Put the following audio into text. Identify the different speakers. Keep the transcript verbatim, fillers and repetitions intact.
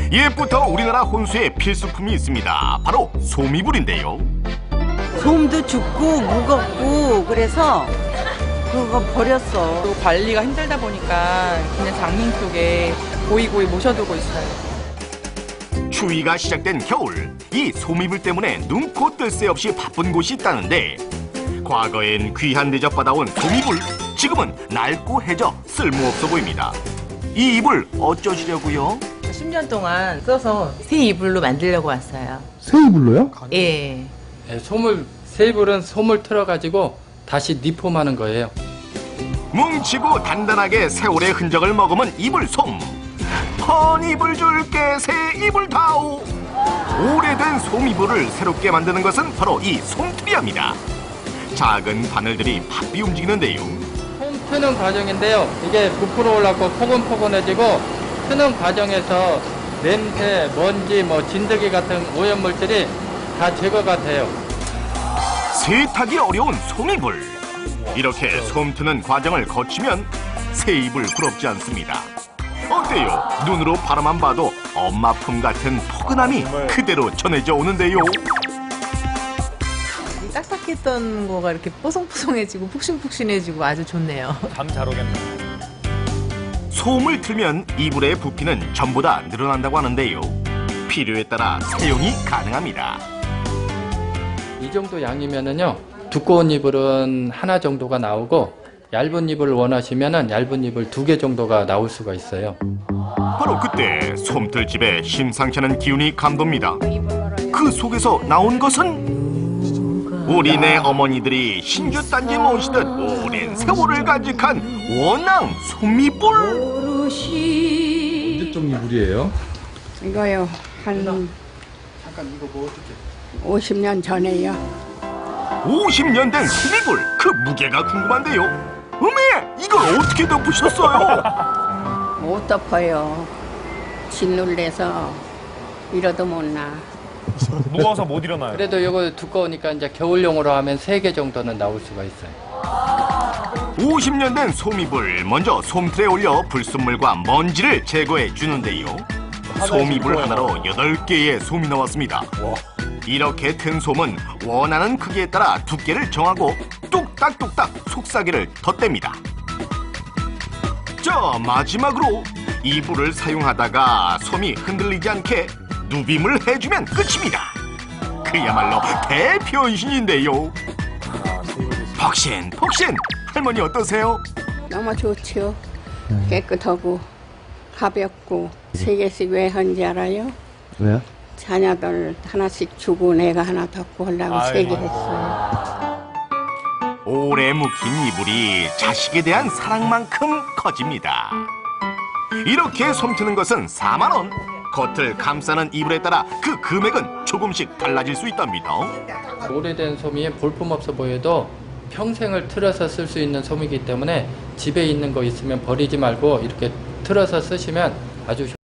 Speaker 1: 옛부터 우리나라 혼수에 필수품이 있습니다. 바로 솜이불인데요.
Speaker 2: 솜도 죽고 무겁고 그래서 그거 버렸어.
Speaker 3: 또 관리가 힘들다 보니까 그냥 장롱 속에 고이고이 모셔두고 있어요.
Speaker 1: 추위가 시작된 겨울, 이 솜이불 때문에 눈코 뜰 새 없이 바쁜 곳이 있다는데 과거엔 귀한 대접 받아온 솜이불, 지금은 낡고 해져 쓸모없어 보입니다. 이 이불 어쩌시려고요?
Speaker 4: 십 년 동안 써서 새 이불로 만들려고 왔어요.
Speaker 5: 새 이불로요?
Speaker 4: 예.
Speaker 6: 네, 솜을, 새 이불은 솜을 틀어가지고 다시 리폼하는 거예요.
Speaker 1: 뭉치고 단단하게 세월의 흔적을 머금은 이불 솜. 헌 이불 줄게 새 이불 다오. 오래된 솜이불을 새롭게 만드는 것은 바로 이 솜틀이합니다. 작은 바늘들이 바삐 움직이는데요.
Speaker 6: 솜 트는 과정인데요. 이게 부풀어 올라고 포근포근해지고 트는 과정에서 냄새, 먼지, 뭐 진드기 같은 오염물질이 다 제거가 돼요.
Speaker 1: 세탁이 어려운 솜이불. 이렇게 솜 트는 과정을 거치면 새 이불 부럽지 않습니다. 어때요? 눈으로 바라만 봐도 엄마 품 같은 포근함이 그대로 전해져 오는데요.
Speaker 4: 딱딱했던 거가 이렇게 뽀송뽀송해지고 푹신푹신해지고 아주 좋네요.
Speaker 7: 잠 잘 오겠네.
Speaker 1: 솜을 틀면 이불의 부피는 전보다 늘어난다고 하는데요. 필요에 따라 사용이 가능합니다.
Speaker 6: 이 정도 양이면은요, 두꺼운 이불은 하나 정도가 나오고 얇은 이불을 원하시면은 얇은 이불 두 개 정도가 나올 수가 있어요.
Speaker 1: 바로 그때 솜틀집에 심상치 않은 기운이 감돕니다. 그 속에서 나온 것은 우리네 어머니들이 신주단지 모시듯 오랜 세월을 간직한 원앙 솜이불.
Speaker 5: 언제적 이불이에요?
Speaker 8: 이거요, 한
Speaker 6: 잠깐 이거 뭐 어떻게?
Speaker 8: 오십 년 전에요.
Speaker 1: 오십 년 된 솜이불, 그 무게가 궁금한데요. 어메, 이걸 어떻게 덮으셨어요?
Speaker 8: 못 덮어요. 짓눌려서 이러도 못 나.
Speaker 7: 무거워서 못 일어나요.
Speaker 6: 그래도 이거 두꺼우니까 이제 겨울용으로 하면 세 개 정도는 나올 수가 있어요.
Speaker 1: 오십 년 된 솜이불, 먼저 솜틀에 올려 불순물과 먼지를 제거해 주는데요. 솜이불 하나로 여덟 개의 솜이 나왔습니다. 이렇게 튼 솜은 원하는 크기에 따라 두께를 정하고 뚝딱뚝딱 속삭이를 덧댑니다. 자, 마지막으로 이불을 사용하다가 솜이 흔들리지 않게 누빔을 해주면 끝입니다. 그야말로 대변신인데요. 폭신, 폭신! 할머니 어떠세요?
Speaker 8: 너무 좋죠. 깨끗하고 가볍고. 세 개씩 왜 한지 알아요?
Speaker 5: 왜요?
Speaker 8: 자녀들 하나씩 주고 내가 하나 덮고 하려고 세 개 했어요.
Speaker 1: 오래 묵힌 이불이 자식에 대한 사랑만큼 커집니다. 이렇게 솜트는 것은 사만 원. 겉을 감싸는 이불에 따라 그 금액은 조금씩 달라질 수 있답니다.
Speaker 6: 오래된 솜이 볼품없어 보여도 평생을 틀어서 쓸 수 있는 솜이기 때문에 집에 있는 거 있으면 버리지 말고 이렇게 틀어서 쓰시면 아주